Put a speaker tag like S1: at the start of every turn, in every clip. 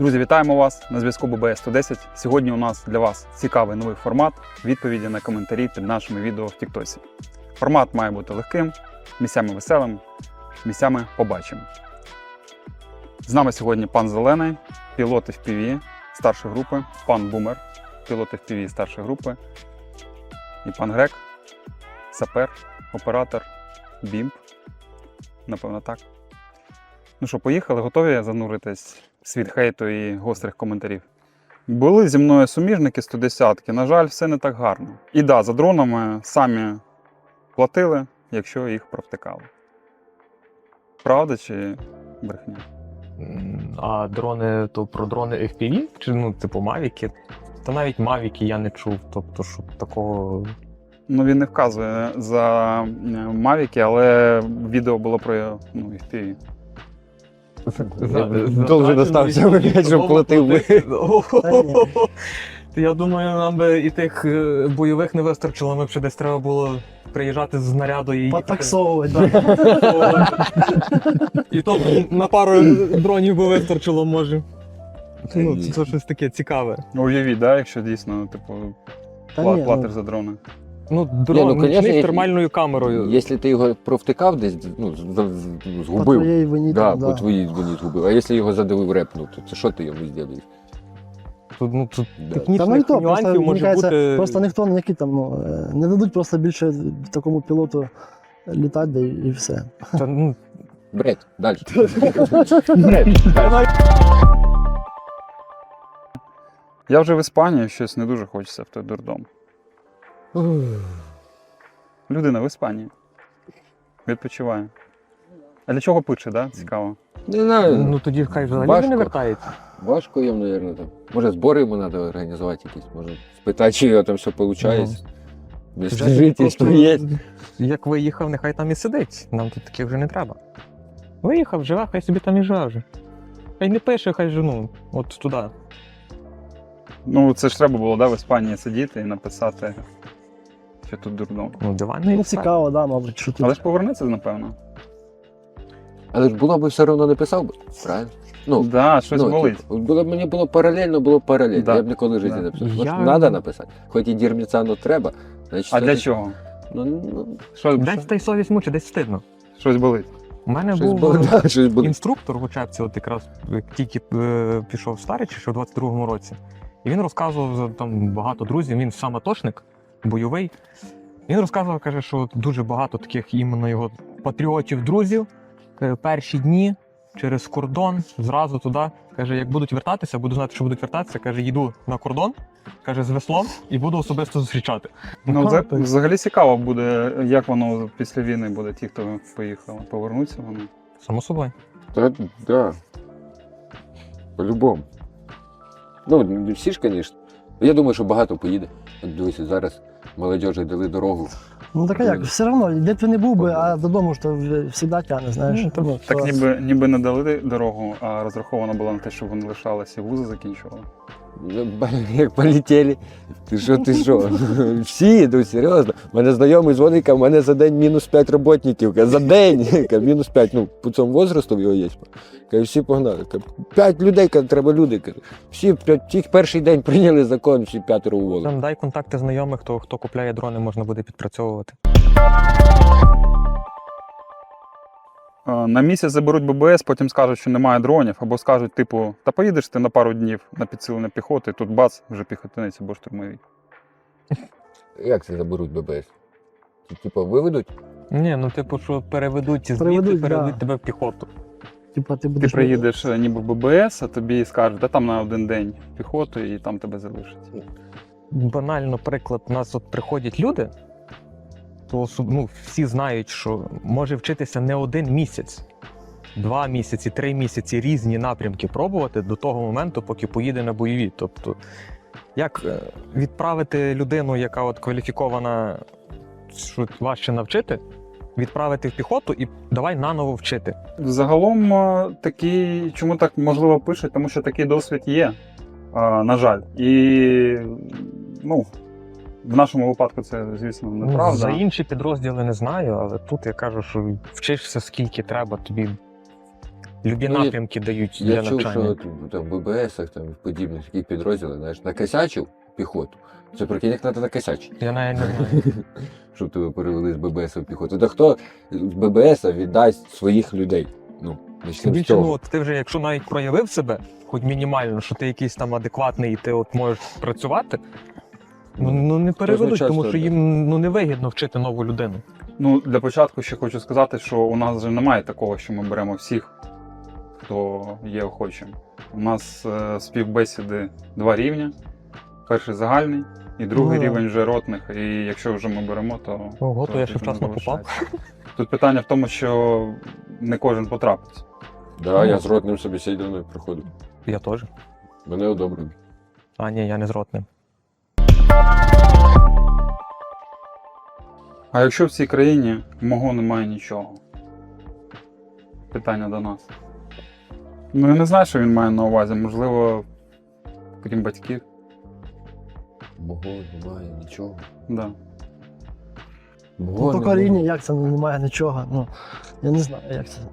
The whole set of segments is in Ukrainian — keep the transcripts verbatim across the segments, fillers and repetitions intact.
S1: Друзі, вітаємо вас на зв'язку Б Б С сто десять. Сьогодні у нас для вас цікавий новий формат відповіді на коментарі під нашими відео в Тіктосі. Формат має бути легким, місцями веселим, місцями побачимо. З нами сьогодні пан Зелений, пілот еф пі ві старшої групи, пан Бумер, пілот еф пі ві старшої групи, і пан Грек, сапер, оператор, бімп. Напевно, так. Ну що, поїхали? Готові зануритись в світ хейту і гострих коментарів? Були зі мною суміжники сто десятки, на жаль, все не так гарно. І да, за дронами самі платили, якщо їх провтикали. Правда чи брехня?
S2: А дрони, то про дрони еф пі ві? Чи, ну, типу, мавіки? Та навіть мавіки я не чув, тобто, щоб такого...
S1: Ну, він не вказує за мавіки, але відео було про, ну, еф пі ві.
S3: Довже достався, блядь, щоб платив би.
S2: Я думаю, нам би і тих е, бойових не вистачило, ми б ще десь треба було приїжджати з наряду і їхати.
S3: Потаксовувати,
S2: І то на пару дронів би вистачило, може. Ну, це, це щось таке цікаве.
S1: Уявіть, да, якщо дійсно, типу, пла- платиш за дрони.
S2: Ну, дрон
S3: Ні, ну,
S2: нічний
S3: конечно,
S2: з
S3: як-
S2: термальною камерою.
S3: Якщо ти його провтикав десь, ну, з- з- згубив,
S4: твоєї вині,
S3: да,
S4: да.
S3: по твоїй вині згубив. А якщо його задавив репнув, то це що ти йому зробиш?
S2: Тут, ну, тут
S3: Да.
S4: Та ну і
S2: технічних
S4: то, просто,
S2: нюансів
S4: мені
S2: може
S4: кажеться,
S2: бути...
S4: просто ніхто ніякі там, ну, е, не дадуть просто більше такому пілоту літати, да, і, і все.
S2: Та, ну,
S3: Бред, далі.
S1: Я вже в Іспанії, щось не дуже хочеться в той дурдом. Людина в Іспанії. Відпочиває. А для чого пише, да? Цікаво.
S3: Не знаю,
S2: ну тоді хай взагалі
S3: Важко.
S2: не вертається.
S3: важко їм, мабуть. Там. Може, збори йому треба організувати якісь, може спитати, чи його там все виходить. Без жительства є.
S2: Як виїхав, нехай там і сидить. Нам тут таких вже не треба. Виїхав, живе, хай собі там і живе вже. Хай не пише, хай жену. От туди.
S1: Ну, це ж треба було, да, в Іспанії сидіти і написати, що тут дурдом.
S2: Ну, диванний
S4: Ну,
S2: експерт.
S4: цікаво, да, мабуть, що тут.
S1: Але ж повернеться, напевно.
S3: Але ж було б все одно написав би, правильно? Ну,
S1: Да, щось
S3: ну,
S1: болить.
S3: типу, було б мені було паралельно, було б паралельно.
S1: Да.
S3: Я б ніколи в житті
S1: Да.
S3: не написав.
S2: Я-
S3: Може, треба написати. Хоч і дірміцану треба. Значить,
S1: А
S3: це-
S1: для чого?
S3: Ну, ну,
S1: Що,
S2: Десь
S1: що-
S2: та й совість мучить, десь стидно.
S1: щось болить?
S2: У мене
S3: щось
S2: був
S3: було, да, щось було.
S2: інструктор в учебці, от якраз як тільки е, пішов в Старичі, ще в двадцять другому році. І він розказував за там багато друзів, він сам атошник, бойовий. Він розказував, каже, що дуже багато таких іменно його патріотів, друзів. Каже, перші дні через кордон, зразу туди. Каже, як будуть вертатися, буду знати, що будуть вертатися. Каже, їду на кордон, каже, з веслом і буду особисто зустрічати.
S1: Ну, це
S2: так.
S1: взагалі цікаво буде, як воно після війни буде, ті, хто поїхали. Повернуться вони.
S2: Само собою.
S3: Та, да. По-любому. Ну, не всі ж, звісно. Я думаю, що багато поїде. От дивися, зараз молодежі дали дорогу.
S4: Ну так а як, все одно, де б ти не був би, а додому ж то вже завжди тягне, знаєш.
S2: Ну, так-
S4: Ну,
S1: Так
S4: то-
S1: ніби, ніби не дали дорогу, а розраховано було на те, щоб вони лишалися і вузи закінчували.
S3: Ну, блін, як полетіли. Ти що, ти що? Всі, ну серйозно. У мене знайомий дзвонить, каже, в мене за день мінус п'ять роботників. Каже, за день. Каже, мінус п'ять. Ну, по цьому возрасту його є. Каже, всі погнали. Каже, п'ять людей, каже, треба люди. Каже, всі тільки перший день прийняли закон, всі п'ятеро уволили.
S2: Там дай контакти знайомих, хто, хто купляє дрони, можна буде підпрацьовувати.
S1: Е, На місяць заберуть Б Б С, потім скажуть, що немає дронів, або скажуть, типу, та поїдеш ти на пару днів на підсилення піхоти, тут бац, вже піхотинець або штурмові.
S3: Як це заберуть Б Б С? Типу, виведуть?
S2: Ні, ну типу, що переведуть звідти,
S4: Переведуть,
S2: переведуть
S4: да.
S2: тебе в піхоту.
S4: Типа, ти
S1: Ти
S4: будеш...
S1: приїдеш е, ніби в Б Б С, а тобі скажуть, та там на один день піхоту і там тебе залишать.
S2: Банально приклад, у нас от приходять люди, то особ- ну, всі знають, що може вчитися не один місяць, два місяці, три місяці різні напрямки пробувати до того моменту, поки поїде на бойові. Тобто, як е, відправити людину, яка от кваліфікована, що важче навчити, відправити в піхоту і давай наново вчити.
S1: Загалом е, такий, чому так можливо пишуть, тому що такий досвід є, е, на жаль. І ну, в нашому випадку це, звісно,
S2: Ну,
S1: неправда.
S2: за інші підрозділи не знаю, але тут я кажу, що вчишся скільки треба, тобі Любі
S3: Ну, я-
S2: напрямки дають
S3: Я
S2: для
S3: чув,
S2: навчання.
S3: що там в ББСах, там в подібних таких підрозділах, знаєш, накосячив піхоту. Це прикинь, як треба накосячити.
S2: Я навіть не знаю.
S3: Щоб тебе перевели з ББС в піхоту. Та хто з ББС віддасть своїх людей? Ну,
S2: Тим
S3: почнемо з
S2: більше, ну,
S3: цього.
S2: от ти вже, якщо навіть проявив себе, хоч мінімально, що ти якийсь там адекватний і ти от можеш працювати, ну, ну не переведуть,
S3: часто,
S2: тому що
S3: да.
S2: їм ну, не вигідно вчити нову людину.
S1: Ну, для початку ще хочу сказати, що у нас вже немає такого, що ми беремо всіх, хто є охочим. У нас е, співбесіди два рівня. Перший загальний і другий
S4: Ну, да.
S1: рівень вже ротних. І якщо вже ми беремо, то.
S2: Ого, то я ще
S1: тоді
S2: вчасно
S1: не
S2: попав.
S1: залишається. Тут питання в тому, що не кожен потрапить.
S3: Да, я з ротним собеседуванням проходив.
S2: Я теж.
S3: Мене одобрили.
S2: А ні, я не з ротним.
S1: А якщо в цій країні мого немає нічого? Питання до нас. Ну я не знаю, що він має на увазі. Можливо, крім батьків.
S3: Мого немає нічого.
S1: Да.
S3: Мого
S4: Ну, то
S3: немає.
S4: коріння, як це немає нічого. Ну, я не знаю, як це.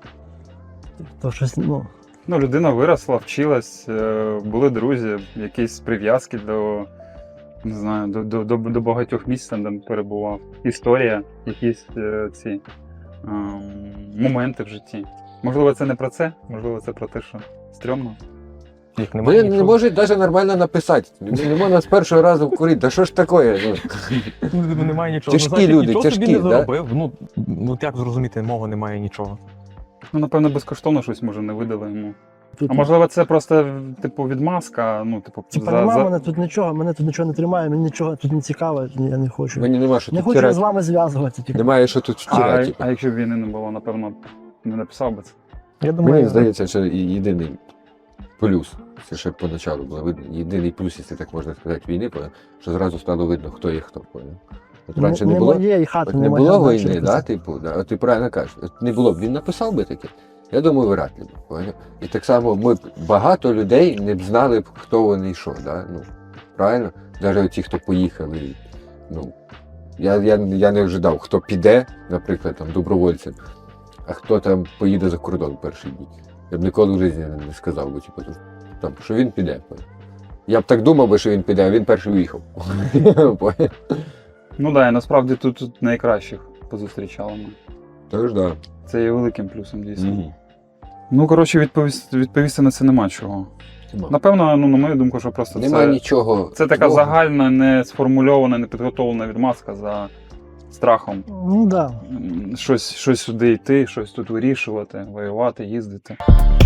S4: То щось, ну.
S1: Ну, людина виросла, вчилась, е, були друзі, якісь прив'язки до, не знаю, до, до, до, до багатьох місць, там, де перебував. Історія, якісь е, ці ем, моменти в житті. Можливо, це не про це, можливо, це про те, що стрьомно.
S2: Їх немає
S3: Вони не
S2: нічого.
S3: можуть навіть нормально написати. Не, не можна з першого разу вкурити. Да що ж таке? Ну,
S2: Ну, немає нічого.
S3: Тяжкі
S2: ну, значить,
S3: люди,
S2: нічого
S3: тяжкі,
S2: собі не
S3: да?
S2: заробив. Ну, ну, як зрозуміти, мого немає нічого.
S1: Ну, напевно, безкоштовно щось може не видали йому.
S4: Тут,
S1: А можливо, це просто, типу, відмазка, ну, типу,
S4: типа,
S1: за,
S4: нема
S1: за...
S4: мене тут нічого, мене тут нічого не тримає, мені нічого тут не цікаво, я не хочу.
S3: мені нема що
S4: Не
S3: тут
S4: хочу з
S3: втирати.
S4: вами зв'язуватися. Типу.
S3: Немає що тут
S1: А,
S3: втирати. типу.
S1: а якщо б війни не було, напевно, не написав би це.
S2: Я думаю,
S3: Мені здається, що і- єдиний плюс, це ще поначалу було видно, єдиний плюс, якщо так можна сказати, війни, бо- що зразу стало видно, хто є хто. поняв? От раніше
S4: не,
S3: не було,
S4: моє і хати
S3: от
S4: не
S3: не
S4: моя,
S3: було
S4: значить,
S3: війни,
S4: це-
S3: да, типу, да, от ти правильно кажеш, от не було б, він написав би таке. Я думаю, вряд ли б, поняв? І так само ми б, багато людей не б знали б, хто вони і що, да? Ну, правильно? Навіть ті, хто поїхали. Ну, я, я, я не ожидав, хто піде, наприклад, там, добровольцем, а хто там поїде за кордон перший день. Я б ніколи в житті не, не сказав би, типу, там, що він піде. поняв? Я б так думав би, що він піде, а він перший уїхав. Поняв?
S1: Ну так, да, і насправді тут, тут найкращих позустрічали ми.
S3: Тож, да.
S1: Це є великим плюсом, дійсно.
S3: Мгм.
S1: Ну, коротше, відповісти, відповісти на це нема чого.
S3: Нема.
S1: Напевно, ну, на мою думку, що просто
S3: Нема
S1: це,
S3: нічого.
S1: це така
S3: такого.
S1: загальна, не сформульована, не підготовлена відмазка за страхом.
S4: Ну так. Да.
S1: М, Щось, щось сюди йти, щось тут вирішувати, воювати, їздити.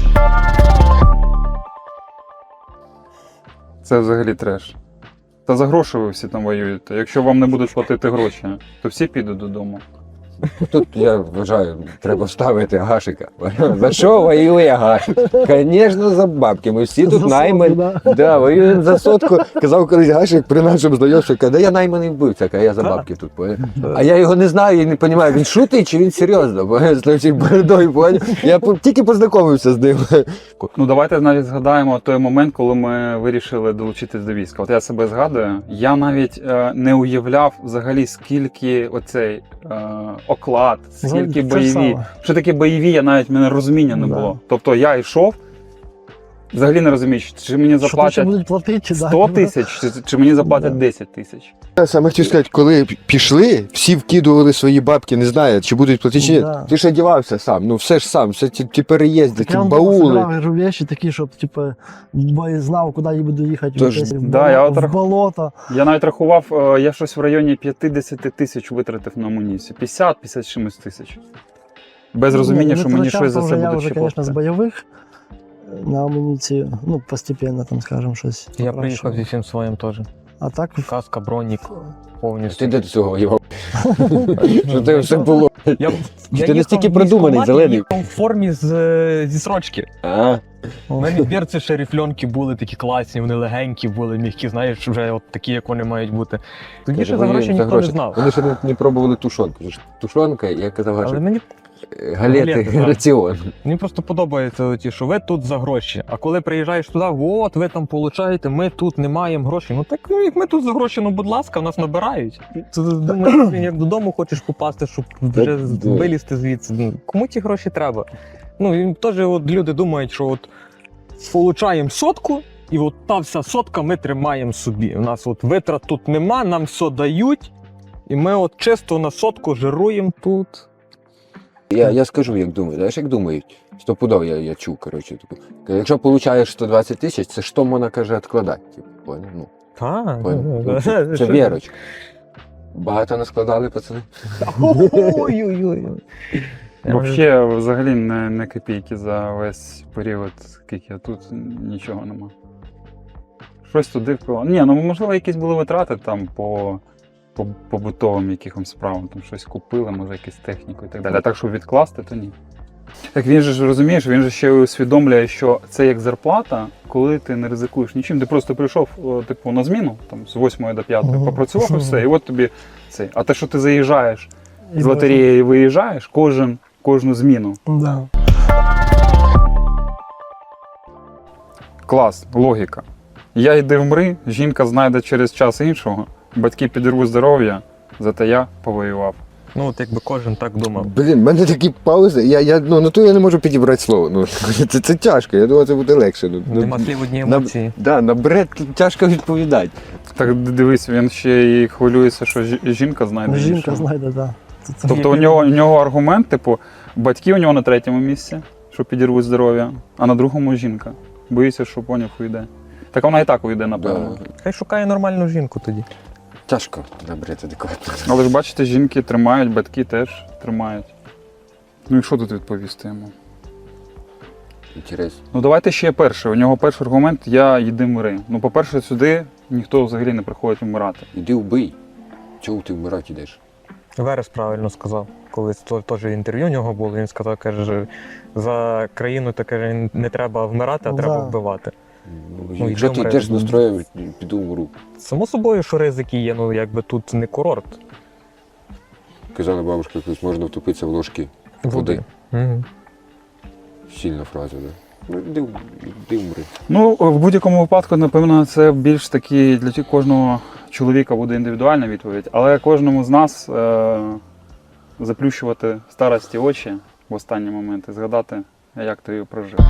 S1: Це взагалі треш. Та за гроші ви всі там воюєте. Якщо вам не будуть платити гроші, то всі підуть додому.
S3: Тут, я вважаю, треба ставити Гашика. За що воює Гашик? Звісно, за бабки. Ми всі тут
S4: За
S3: наймані.
S4: сотку, да.
S3: Да, воюємо за сотку. Казав колись Гашик при нашому знайомстві, каже, да я найманий вбивця, каже, я за бабки тут. поняв? А я його не знаю і не розумію, він шутить чи він серйозно? поняв? З тою бородою, поняв? Я по- тільки познайомився з ним.
S1: Ну, давайте навіть згадаємо той момент, коли ми вирішили долучитись до війська. От я себе згадую, я навіть е, не уявляв взагалі, скільки оцей е, оклад, скільки
S4: Ну, це ж
S1: бойові.
S4: саме.
S1: Що таке бойові, я навіть в мене розуміння не
S4: Да.
S1: було. Тобто я йшов, взагалі не розумію, чи мені
S4: Що тут ще
S1: заплатять
S4: будуть платити, чи да?
S1: сто тисяч, чи, чи мені заплатять
S4: Да.
S1: десять тисяч.
S3: Я саме хотів сказати, коли пішли, всі вкидували свої бабки, не знаю, чи будуть платити, чи ні.
S4: Да.
S3: Ти ж одягався сам, ну все ж сам, все ті, ті переїзди,
S4: Так
S3: ті
S4: я вам
S3: баули.
S4: собирав речі такі, щоб типу, бо я знав, куди я буду їхати.
S3: Тож,
S4: десь в,
S1: да,
S4: болото,
S1: я от
S4: в
S1: рах-
S4: болото.
S1: Я навіть рахував, е, я щось в районі п'ятдесят тисяч витратив на амуніцію. п'ятдесят п'ятдесят чимось тисяч. Без розуміння,
S4: Ні,
S1: що
S4: не
S1: мені
S4: втрачав,
S1: щось за
S4: то
S1: це
S4: вже я
S1: будуть
S4: вже,
S1: ще
S4: звісно, з
S1: платити.
S4: бойових е, на амуніцію, ну, постепенно, там, скажемо, щось.
S2: я
S4: покращував.
S2: приїхав зі всім своїм теж.
S4: А так,
S2: Каска, бронік, повністю.
S3: Ти де до цього воював? Що це все було?
S2: Я, я
S3: ти настільки
S2: їхав в
S3: продуманий,
S2: військкомат,
S3: зелений.
S2: їхав в формі з, е, зі срочки.
S3: А,
S2: У мене берці шерифльонки були такі класні, вони легенькі були, м'які, знаєш, вже от такі, як вони мають бути. Тоді ще за
S3: воюємо
S2: гроші ніхто не знав.
S3: Вони ще не, не пробували тушонку. Ж Тушонка, я казав,
S2: Але
S3: що
S2: мені,
S3: галети,
S2: Галети, так.
S3: раціон.
S2: мені просто подобається, ті, що ви тут за гроші. А коли приїжджаєш туди, от ви там получаєте, ми тут не маємо грошей. Ну так ну, як ми тут за гроші, ну будь ласка, нас набирають. Ти думаєш, як додому хочеш попасти, щоб вже
S3: да.
S2: вилізти звідси. Ну, кому ті гроші треба? Ну, і теж от люди думають, що от получаємо сотку, і от та вся сотка ми тримаємо собі. У нас от витрат тут нема, нам все дають, і ми от чисто на сотку жируємо тут.
S3: Я, я скажу, як думаю. Знаєш, як думають? Стопудов я, я чув, коротше. Типу, якщо получаєш сто двадцять тисяч, це що можна, каже, відкладати? Типу, поняв? Ну,
S2: Так.
S3: поняв? Ну, це, це вірочка. Багато наскладали, пацани?
S2: Ой-ой-ой.
S1: Взагалі, взагалі не, не копійки за весь період, скільки я тут, нічого нема. Щось туди впило. Ні, ну можливо, якісь були витрати там по, по побутовим якихось справам, там щось купили, може якусь техніку і так далі. А так, щоб відкласти, то ні. Так він же ж розумієш, він же ще усвідомлює, що це як зарплата, коли ти не ризикуєш нічим. Ти просто прийшов о, типу, на зміну, там, з восьмої до п'ятої,
S2: Мгм.
S1: попрацював і все, і от тобі цей. А те, що ти заїжджаєш
S4: І
S1: з лотереї, виїжджаєш кожен, кожну зміну.
S4: Да.
S1: Клас, логіка. Я йди вмри, жінка знайде через час іншого, батьки підірвуть здоров'я, зате я повоював.
S2: Ну, от якби кожен так думав.
S3: Блін, в мене такі паузи. Я, я, ну, на то я не можу підібрати слово. Ну, це, це тяжко, я думаю, це буде легше. Ну, ну,
S2: Нема слів одні
S3: на-
S2: емоції.
S3: Да, на бред тяжко відповідати.
S1: Так дивись, він ще і хвилюється, що жі- жінка знайде
S4: Жінка
S1: іншого.
S4: знайде, так.
S1: Тобто у нього, у нього аргумент, типу, батьки у нього на третьому місці, що підірвуть здоров'я, а на другому жінка. Боїться, що поняв уйде. Так вона і так уйде, напевно.
S3: Да.
S2: Хай шукає нормальну жінку тоді.
S3: Тяжко на бред адекватно.
S1: Але ж бачите, жінки тримають, батьки теж тримають. Ну і що тут відповісти йому?
S3: Інтересно.
S1: Ну давайте ще перше. У нього перший аргумент я йди мири. Ну, по-перше, сюди ніхто взагалі не приходить вмирати.
S3: Іди вбий. Чого ти вмирати йдеш?
S2: Верес правильно сказав. Колись то- теж інтерв'ю у нього було, він сказав, каже, за країну то, каже, не треба вмирати, а треба
S4: Да.
S2: вбивати.
S3: Ну,
S2: Ну,
S3: якщо
S2: йди
S3: ти
S2: вмри.
S3: йдеш з настроєм, піду вмру.
S2: Само собою, що ризики є, ну якби тут не курорт.
S3: Казала бабушка, якось можна втопитися в ложки води.
S2: Угу.
S3: Сильна фраза, да? Ну, іди, іди вмри.
S1: Ну, в будь-якому випадку, напевно, це більш таки для ті- кожного чоловіка буде індивідуальна відповідь, але кожному з нас е- заплющувати старості очі в останні моменти, згадати, як ти її прожив.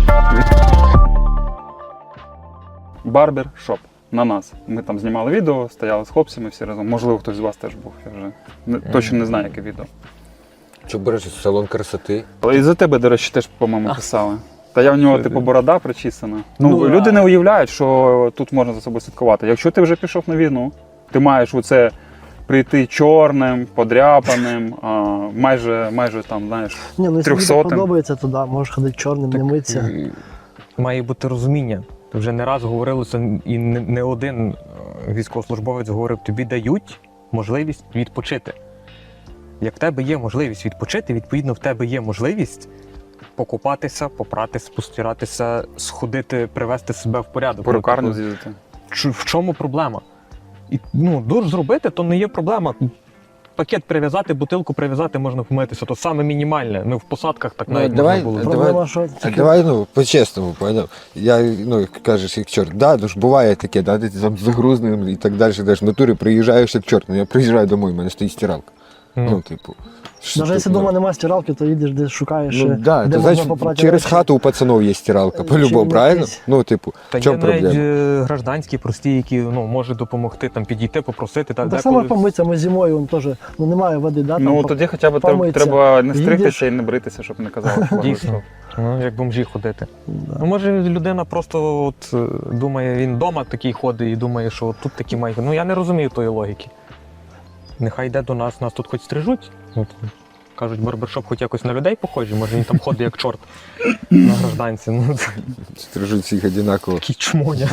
S1: Барбер шоп. На нас. Ми там знімали відео, стояли з хлопцями всі разом. Можливо, хтось з вас теж був. Я вже не, точно не знаю, яке відео.
S3: Що береш салон красоти?
S1: Але і за тебе, до речі, теж, по-моєму, писали. Та я в нього, типу, борода причісана. Ну,
S2: Ну,
S1: люди
S2: а-
S1: не уявляють, що тут можна за собою слідкувати. Якщо ти вже пішов на війну, ти маєш оце прийти чорним, подряпаним, а, майже, майже там, знаєш,
S4: Ні, ну якщо тобі
S1: трьохсотим.
S4: подобається, то да, можеш ходити чорним, не митися.
S3: М,
S2: Має бути розуміння. Вже не раз говорилося, і не, не один е, військовослужбовець говорив, тобі дають можливість відпочити. Як в тебе є можливість відпочити, відповідно, в тебе є можливість покупатися, попратися, постиратися, сходити, привести себе в порядок.
S1: перукарню
S2: Ну, типу,
S1: з'їздити.
S2: Ч- в чому проблема? І, ну, душ зробити, то не є проблема. Пакет прив'язати, бутилку прив'язати, можна помитися. То саме мінімальне. Ну, в посадках так
S3: Ну,
S2: навіть
S3: давай-
S2: можна було.
S3: давай-
S4: Проблема, що
S3: А
S4: тільки
S3: давай, ну, по-чесному, поняв. Я, ну, як кажеш, як чорт, да, ну ж буває таке, да, ти там загрузнений і так далі, далі. В натурі приїжджаєш як чорт, ну я приїжджаю домой, в мене стоїть стиралка.
S2: Ну,
S3: Ну, типу. що
S4: навіть
S3: тут,
S4: якщо
S3: ну,
S4: вдома немає стиралки, то їдеш десь шукаєш,
S3: Ну,
S4: е,
S3: да,
S4: де
S3: то,
S4: можна
S3: значить,
S4: попрати
S3: через
S4: речі.
S3: хату у пацанов є стиралка,
S4: Чи
S3: по-любому, правильно?
S4: якийсь-
S3: Ну, типу,
S2: Та
S3: в чому
S2: є навіть
S3: проблема?
S2: е, гражданські, прості, які ну, можуть допомогти, там, підійти, попросити. Та,
S4: Ну, так
S2: деколи-
S4: само помитися, ми зимою вон, теж, ну, немає води, да,
S1: Ну,
S4: там,
S1: тоді хоча б треба,
S4: помитися.
S1: треба не стригтися
S4: Їдеш.
S1: і не бритися, щоб не казали, що
S2: Дійсно. Ну, як бомжі ходити.
S4: Да.
S2: Ну, може, людина просто от, е, думає, він вдома такий ходить і думає, що от тут такі мають. Ну, я не розумію тої логіки. Нехай йде до нас, нас тут хоч стрижуть. От, кажуть, барбершоп хоч якось на людей похожий, може він там ходить як чорт на гражданці. Ну, це
S3: Стрижуть всіх одинаково.
S2: такі чмоня.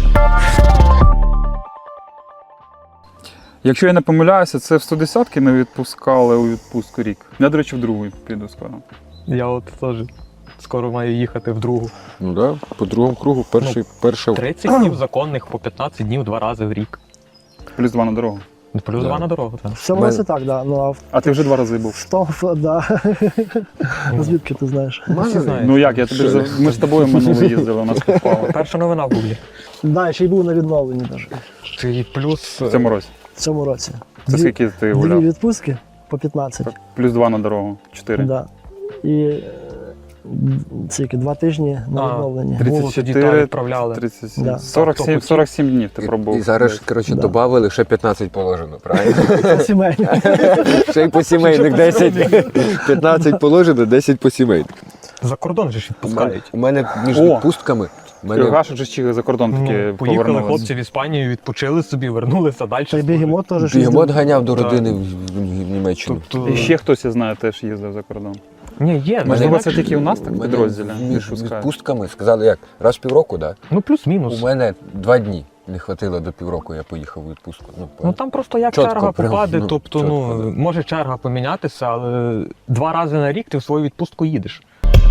S1: Якщо я не помиляюся, це в сто десятки не відпускали у відпустку рік. Я, до речі, в другу піду скоро.
S2: Я от теж скоро маю їхати в другу.
S3: Ну да, по другому кругу перший, перша.
S2: тридцять днів законних, по п'ятнадцять днів два рази в рік.
S1: Плюс два на дорогу.
S2: Плюс
S3: Да.
S2: два на дорогу. Так.
S4: В цьому
S3: Мен-
S4: році так, да. Ну, а в,
S1: А ти вже два рази був.
S4: в тому, да. Звідки ти знаєш?
S2: Всі знають.
S1: Ну як, я тобі
S3: Що?
S1: за- ми з тобою минуло їздили, у нас попало.
S2: Перша новина в Гуглі.
S4: Да, ще й був на відновленні навіть
S2: Чи плюс
S1: В цьому році.
S4: в цьому році.
S1: Це
S4: Дві-
S1: скільки ти
S4: Дві
S1: гуляв?
S4: відпустки по п'ятнадцять.
S1: Плюс два на дорогу. Чотири.
S4: Да. І е, Скільки, два тижні на
S2: А,
S4: відновлення.
S2: три-
S1: тридцять
S2: Було тоді
S1: чотири,
S2: так відправляли.
S1: тридцять сім,
S4: Да.
S1: сорок сім,
S2: Хто
S1: сорок сім днів ти
S3: І,
S1: пробув.
S3: і зараз, коротше,
S4: Да.
S3: додали ще п'ятнадцять положено, правильно?
S4: Сімейні.
S3: Ще й по сімейних десять. п'ятнадцять положено, десять по сімейних.
S2: За кордон же ж відпускають.
S3: У мене між
S1: О!
S3: відпустками. у мене-
S1: Гашик же чи за кордон таки
S2: Ну, поїхали
S1: повернулися.
S2: хлопці в Іспанію, відпочили собі, вернулися далі.
S4: Та й бігемот теж щось
S3: Бігемот
S4: їздив.
S3: ганяв до
S2: Так.
S3: родини в, в, в Німеччину.
S2: Тобто...
S1: І ще хтось, я знаю, теж їздив за кордон.
S2: Ні, є.
S1: Можливо,
S2: ну,
S1: це тільки у нас так в
S3: Мене
S1: підрозділі
S3: Між
S1: відпускають.
S3: відпустками сказали, як, раз в півроку, так?
S2: Ну,
S3: У
S2: плюс-мінус.
S3: мене два дні не хватило до півроку, я поїхав у відпустку. Ну,
S2: Ну там просто як
S3: Чітко,
S2: черга
S3: прям,
S2: попаде,
S3: ну,
S2: тобто,
S3: чітко,
S2: ну,
S3: да.
S2: може черга помінятися, але два рази на рік ти в свою відпустку їдеш.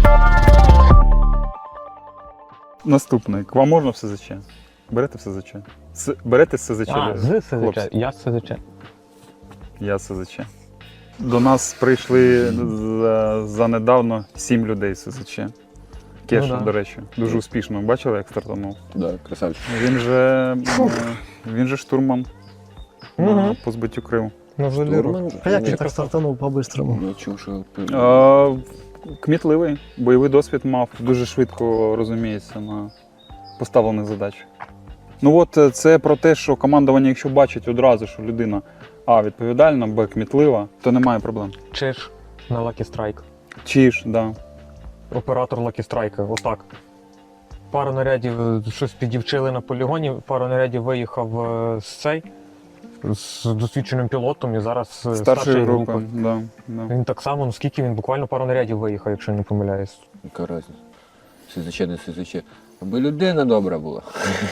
S1: Наступний. К вам можна в СЗЧ? Берете в СЗЧ? С... Берете з СЗЧ?
S2: А, з СЗЧ,
S1: хлопці?
S2: я з СЗЧ.
S1: Я з СЗЧ. До нас прийшли за, за недавно сім людей з СЗЧ. Кеша,
S2: Ну да.
S1: до речі, дуже успішно. Бачили, як стартанув?
S3: Да, красавчик.
S1: Він же, е, він же штурман на
S2: Угу.
S1: по збиттю Криму.
S2: На Жоліру.
S4: А як він так стартанув по-бистрому?
S3: Я чув, що...
S1: Е, Кмітливий, бойовий досвід мав, дуже швидко розуміється на поставлених задачах. Ну от е, це про те, що командування, якщо бачить одразу, що людина А відповідальна, Б кмітлива, то немає проблем.
S2: Чиш на Lucky Strike.
S1: Чи ж, да.
S2: Оператор Lucky Strike, отак. Пару нарядів е, щось підівчили на полігоні, пару нарядів виїхав е, з цей, з досвідченим пілотом і зараз е,
S1: Старшої групи. Да, да.
S2: Він так само, ну скільки він буквально пару нарядів виїхав, якщо не помиляюсь.
S3: Яка разниця? СЗЧ, не СЗЧ. Аби людина добра була.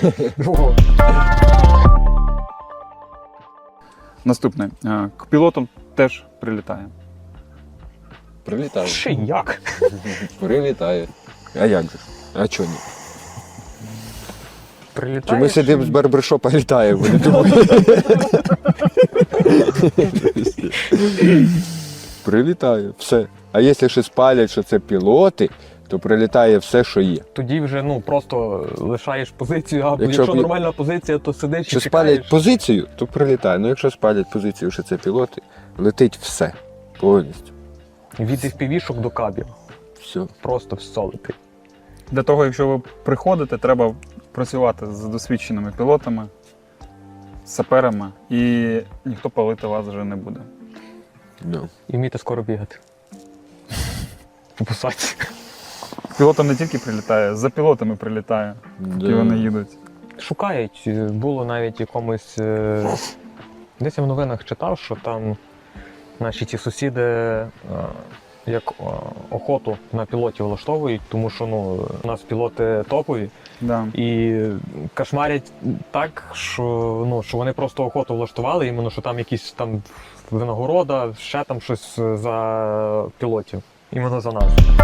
S1: Наступне. Е, К пілотам теж прилітає.
S3: Прилітає.
S2: Ще як?
S3: Прилітає. А як же? А чого ні? Чи
S2: Прилітає.
S3: ми сидимо з барбершопа літаємо? Вони думають. Прилітає, все. А якщо ще спалять, що це пілоти, то прилітає все, що є.
S2: Тоді вже ну просто лишаєш позицію, або
S3: Якщо
S2: якщо,
S3: б-
S2: нормальна позиція, то сидиш
S3: Якщо
S2: і чекаєш.
S3: спалять позицію, то прилітає. Ну якщо спалять позицію, що це пілоти, летить все. Повністю.
S2: Від еф пі ві-шок до кабів.
S3: Все.
S2: Просто все летить.
S1: Для того, якщо ви приходите, треба працювати з досвідченими пілотами, з саперами, і ніхто палити вас вже не буде.
S3: Ну.
S2: І вміти скоро бігати. У посадці.
S1: Пілотам не тільки прилітає, за пілотами прилітає, і вони їдуть.
S2: Шукають. Було навіть якомусь. е, Десь я в новинах читав, що там наші ті сусіди е, як е, охоту на пілотів влаштовують, тому що ну, у нас пілоти топові.
S1: Да.
S2: І кошмарять так, що, ну, що вони просто охоту влаштували, іменно, що там якісь там винагорода, ще там щось за пілотів. Іменно за нас.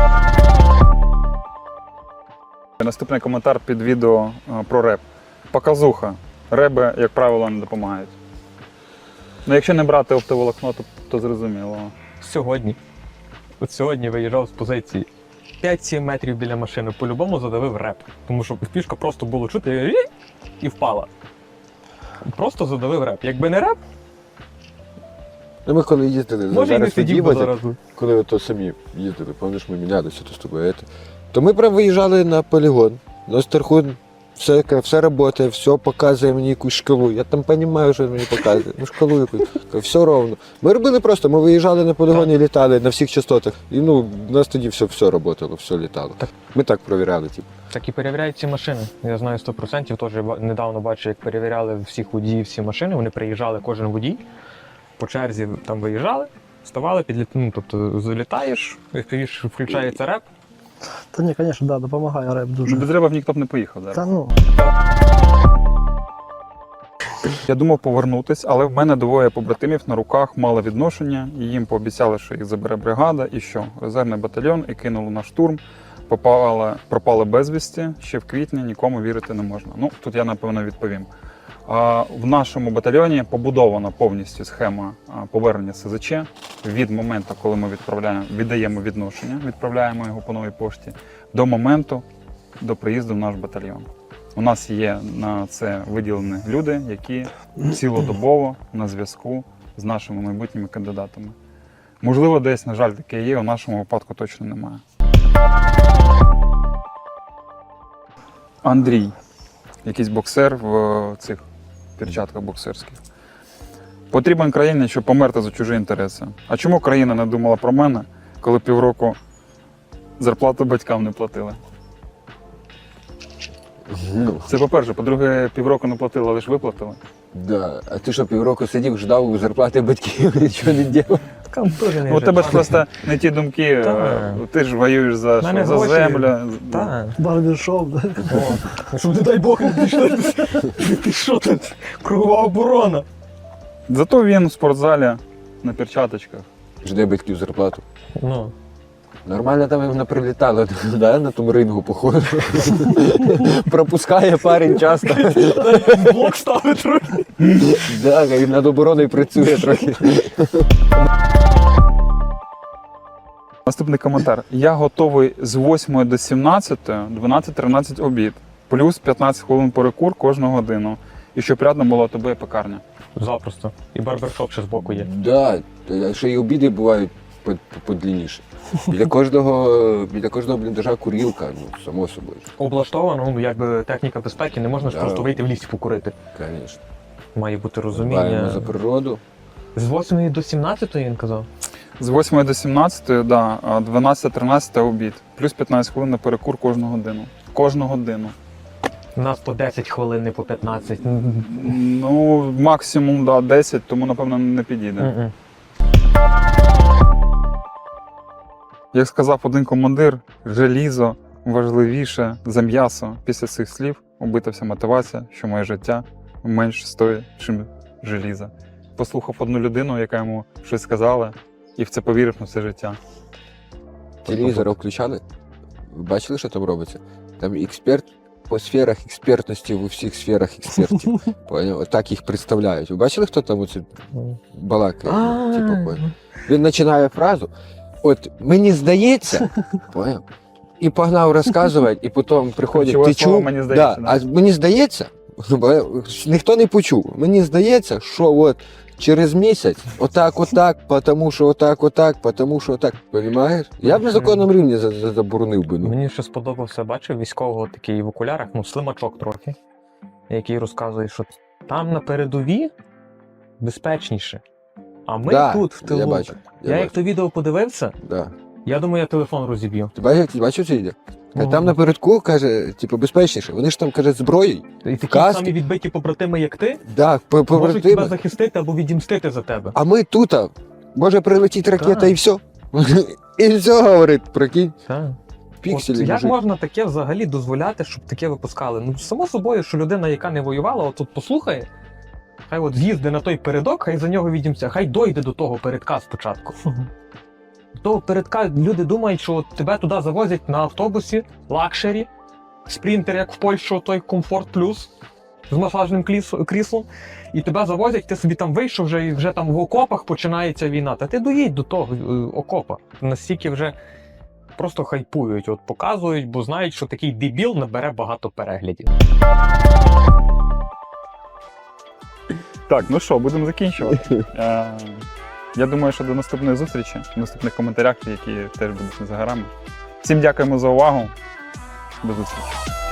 S1: Наступний коментар під відео е, про реп. Показуха. Реби, як правило, не допомагають. Ну, якщо не брати оптоволокно, то, то зрозуміло.
S2: Сьогодні. От сьогодні виїжджав з позиції. п'ять-сім метрів біля машини по-любому задавив реп. Тому що пішка просто було чути і впала. Просто задавив реп. Якби не реп,
S3: Ну ми коли їздили,
S2: може і не
S3: зараз
S2: сидів би
S3: від'їбати,
S2: зараз.
S3: коли ото самі їздили, пам'ятаєш, ми мінялися то з тобою. ето. То ми прям виїжджали на полігон, на Стархун, все, все працює, все показує мені якусь шкалу. Я там розумію, що мені показує. Ну шкалу якусь, все ровно. Ми робили просто, ми виїжджали на полігон і літали на всіх частотах. І ну, у нас тоді все, все працювало, все літало.
S2: Так.
S3: Ми так перевіряли, типу.
S2: Так і перевіряють ці машини. Я знаю сто відсотків, теж ба- недавно бачив, як перевіряли всіх водіїв всі машини. Вони приїжджали, кожен водій, по черзі там виїжджали, вставали, підліт... ну, тобто залітаєш, еф пі ві включається реп.
S4: Та ні, звісно, да, допомагає реп дуже.
S1: Без реба ніхто б не поїхав зараз.
S4: Та ну,
S1: Я думав повернутись, але в мене двоє побратимів на руках мали відношення, і їм пообіцяли, що їх забере бригада, і що? Резервний батальйон, і кинули на штурм, попали, пропали безвісті, ще в квітні, нікому вірити не можна. Ну, тут я, напевно, відповім. А, в нашому батальйоні побудована повністю схема а, повернення СЗЧ від моменту, коли ми відправляємо, віддаємо відношення, відправляємо його по новій пошті, до моменту, до приїзду в наш батальйон. У нас є на це виділені люди, які цілодобово на зв'язку з нашими майбутніми кандидатами. Можливо, десь, на жаль, таке є, у нашому випадку точно немає. Андрій, якийсь боксер в е, цих перчатках боксерських. Потрібен країні, щоб померти за чужі інтереси. А чому країна не думала про мене, коли півроку зарплату батькам не платили?
S3: Ну,
S1: Це по-перше. По-друге, півроку не платили, але ж виплатили.
S3: да. А ти що, півроку сидів, ждав зарплати батьків, нічого не робив?
S2: Там теж не
S1: Ну, у тебе ж
S2: жить.
S1: просто не ті думки,
S2: Та.
S1: е, ти ж воюєш за,
S2: Мене
S1: що, за
S2: гроші.
S1: землю.
S2: Так.
S4: Барбершоп, да?
S2: Щоб не дай Бог не пішло. Ти що тут? Кругова оборона.
S1: Зато він в спортзалі на перчаточках.
S3: Жде батьків зарплату.
S2: Ну.
S3: Нормально там їм прилітало, да, на тому рингу, походу. Пропускає парень часто.
S2: Блок ставить трохи.
S3: Да, і над обороною працює трохи.
S1: Наступний коментар. Я готовий з восьмої до сімнадцятої, дванадцять-тринадцять обід. Плюс п'ятнадцять хвилин перекур кожну годину. І щоб рядом була тобі і пекарня.
S2: Запросто. І барбершоп ще збоку є.
S3: Да, та ще й обіди бувають по- по- подлінніше. Біля кожного, біля кожного бліндажа курілка, ну, само собою.
S2: Облаштовано, ну, якби техніка безпеки, не можна ж
S3: Да.
S2: просто вийти в лісі покурити.
S3: Звісно.
S2: Має бути
S3: Дбаємо
S2: розуміння.
S3: за природу.
S2: З восьмої до сімнадцятої він казав.
S1: З восьмої до сімнадцятої, да, а дванадцять-тринадцять обід. Плюс п'ятнадцять хвилин на перекур кожну годину. Кожну годину.
S2: У нас по десять хвилин, не по п'ятнадцять.
S1: Ну, максимум, да, десять, тому, напевно, не підійде.
S2: Мгм.
S1: Як сказав один командир, желізо важливіше за м'ясо. Після цих слів убита вся мотивація, що моє життя менш стоїть, чим желізо. Послухав одну людину, яка йому щось сказала, і в це повірив на все життя.
S3: Телевізор включали? Ви бачили, що там робиться? Там експерт по сферах експертності в усіх сферах експертів. Поняв? Отак їх представляють. Ви бачили, хто там оце балакає?
S2: А,
S3: Типу, поняв? Він починає фразу. От мені здається, поняв? І погнав розказувати, і потім приходять,
S1: Ключове
S3: ти
S1: слово
S3: чув?
S1: «мені здається»,
S3: Да. А мені здається, бо ніхто не почув. Мені здається, що от через місяць отак, отак, тому що отак, отак, тому що отак. Понімаєш? Я б на законному рівні за- за- заборонив би. Ну.
S2: Мені ще сподобався, бачив військового такий в окулярах, ну, слимачок трохи, який розказує, що там на передовій безпечніше. А ми
S3: Да,
S2: тут, в тилу.
S3: Я бачу.
S2: Я,
S3: Я,
S2: як
S3: бачу.
S2: то відео подивився,
S3: Да.
S2: я думаю, я телефон розіб'ю.
S3: Ти бачив, ти бачив це відео?
S2: Ну.
S3: Там напередку, каже, типу, безпечніше. Вони ж там, каже, зброєю.
S2: І такі
S3: Каски.
S2: самі відбиті побратими, як ти,
S3: Да, по-
S2: можуть тебе
S3: побратими.
S2: захистити або відімстити за тебе.
S3: А ми тут, а, може прилетіти ракета
S2: Так.
S3: і все. І все, говорить, прикинь.
S2: Так.
S3: Пікселі.
S2: От як
S3: мужик.
S2: можна таке взагалі дозволяти, щоб таке випускали? Ну, само собою, що людина, яка не воювала, от тут послухає, хай от з'їзди на той передок, хай за нього відімся, хай дойде до того передка спочатку. До того передка люди думають, що от тебе туди завозять на автобусі, лакшері, спринтер, як в Польщу, той комфорт плюс з масажним кліс- кріслом, і тебе завозять, ти собі там вийшов вже і вже там в окопах починається війна. Та ти доїдь до того е, окопа. Настільки вже просто хайпують, от показують, бо знають, що такий дебіл набере багато переглядів.
S1: Так, ну що, будемо закінчувати. Е, Я думаю, що до наступної зустрічі, в наступних коментарях, які теж будуть не за горами. Всім дякуємо за увагу. До зустрічі.